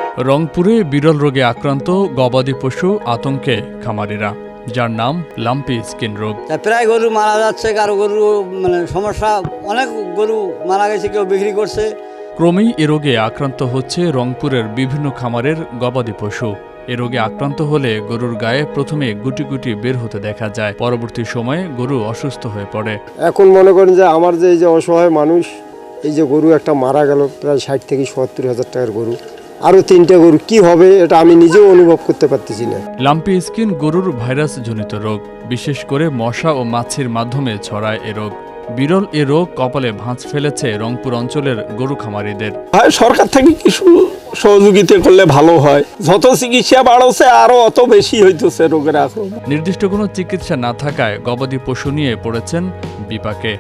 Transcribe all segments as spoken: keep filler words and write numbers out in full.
রংপুরে বিরল রোগে আক্রান্ত গবাদি পশু আতঙ্কে খামারিরা, যার নাম লাম্পি স্কিন রোগ। প্রায় গরু মারা যাচ্ছে, কারো গরু মানে সমস্যা, অনেক গরু মারা গেছে, কেউ বিক্রি করছে। ক্রমেই এ রোগে আক্রান্ত হচ্ছে রংপুরের বিভিন্ন খামারের গবাদি পশু। এ রোগে আক্রান্ত হলে গরুর গায়ে প্রথমে গুটি গুটি বের হতে দেখা যায়, পরবর্তী সময়ে গরু অসুস্থ হয়ে পড়ে। এখন মনে করেন যে আমার যে এই যে অসহায় মানুষ, এই যে গরু একটা মারা গেল, প্রায় ষাট থেকে সত্তর হাজার টাকার গরু, আরও তিনটা গরু কি হবে এটা আমি নিজেও অনুভব করতে পারতেছি না। লাম্পি স্কিন গরুর ভাইরাস জনিত রোগ, বিশেষ করে মশা ও মাছির মাধ্যমে ছড়ায় এ রোগ। বিরল এ রোগ কপালে ভাঁজ ফেলেছে রংপুর অঞ্চলের গরু খামারিদের। সরকার থেকে কিছু সহযোগিতা করলে ভালো হয়। যত চিকিৎসা বাড়ছে আরো অত বেশি হইতেছে রোগের আক্রমণ। নির্দিষ্ট কোনো চিকিৎসা না থাকায় গবাদি পশু নিয়ে পড়েছেন বিপাকে।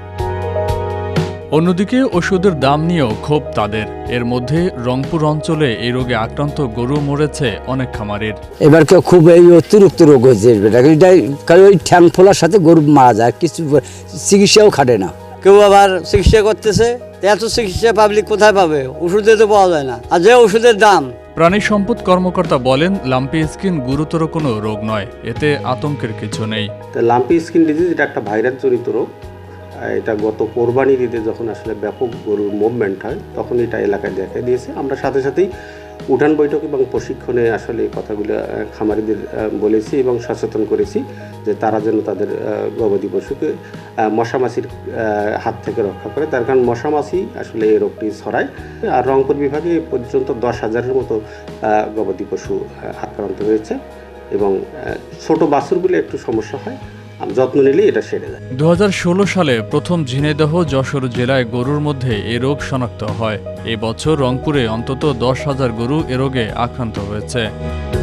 অন্যদিকে ওষুধের দাম নিয়েও ক্ষোভ তাদের। এর মধ্যে রংপুর অঞ্চলে এই রোগে আক্রান্ত গরু মরেছে অনেক খামারের। এবার কেউ খুব এই অতিরিক্ত রোগ হয়েছে, কারণ ওই ঠ্যাং ফোলার সাথে গরু মারা যায়, কিছু চিকিৎসাও খাটে না। কেউ আবার চিকিৎসা করতেছে, এত চিকিৎসা পাবলিক কোথায় পাবে? ওষুধে তো পাওয়া যায় না, আর যে ওষুধের দাম। প্রাণী সম্পদ কর্মকর্তা বলেন, লাম্পি স্কিন গুরুতর কোনো রোগ নয়, এতে আতঙ্কের কিছু নেই। লাম্পি স্কিন ডিজিজ এটা একটা ভাইরাস জনিত রোগ। এটা গত কোরবানির ঈদে যখন আসলে ব্যাপক গরুর মুভমেন্ট হয় তখন এটা এলাকায় দেখা দিয়েছে। আমরা সাথে সাথেই উঠান বৈঠক এবং প্রশিক্ষণে আসলে এই কথাগুলো খামারিদের বলেছি এবং সচেতন করেছি যে তারা যেন তাদের গবাদি পশুকে মশামাছির হাত থেকে রক্ষা করে, তার কারণ মশামাছি আসলে এই রোগটি ছড়ায়। আর রংপুর বিভাগে পর্যন্ত দশ হাজারের মতো গবাদি পশু আক্রান্ত হয়েছে এবং ছোট বাছুরগুলো একটু সমস্যা হয়, যত্ন নিলে এটা সেরে যায়। দু হাজার ষোলো সালে প্রথম ঝিনাইদহ যশোর জেলায় গরুর মধ্যে এ রোগ শনাক্ত হয়। এবছর রংপুরে অন্তত দশ হাজার গরু এ রোগে আক্রান্ত হয়েছে।